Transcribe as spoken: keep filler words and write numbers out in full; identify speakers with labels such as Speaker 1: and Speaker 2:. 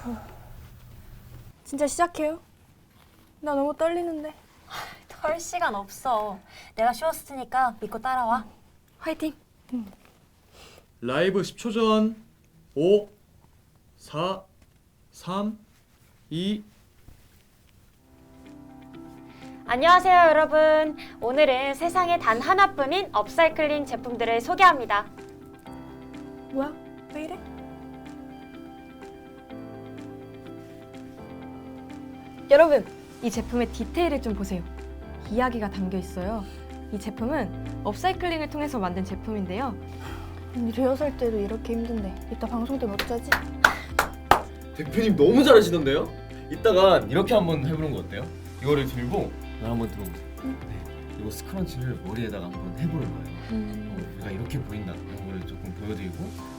Speaker 1: 진짜 시작해요? 나 너무 떨리는데.
Speaker 2: 털 시간 없어. 내가 쉬웠을 테니까 믿고 따라와.
Speaker 1: 화이팅!
Speaker 3: 라이브 십 초 전. 오, 사, 삼, 이.
Speaker 2: 안녕하세요, 여러분. 오늘은 세상에 단 하나뿐인 업사이클링 제품들을 소개합니다.
Speaker 1: 뭐야? 왜 이래?
Speaker 4: 여러분, 이 제품의 디테일을 좀 보세요. 이야기가 담겨 있어요. 이 제품은 업사이클링을 통해서 만든 제품인데요.
Speaker 1: 아니, 리허설 때도 이렇게 힘든데 이따 방송 때 못 자지?
Speaker 5: 대표님 너무 잘하시던데요? 이따가 이렇게 한번 해보는 거 어때요? 이거를 들고 나 한번 들어보세요. 네, 이거 스크런치를 머리에다가 한번 해보는 거예요.
Speaker 1: 음.
Speaker 5: 어, 내가 이렇게 보인다 이런 거를 조금 보여드리고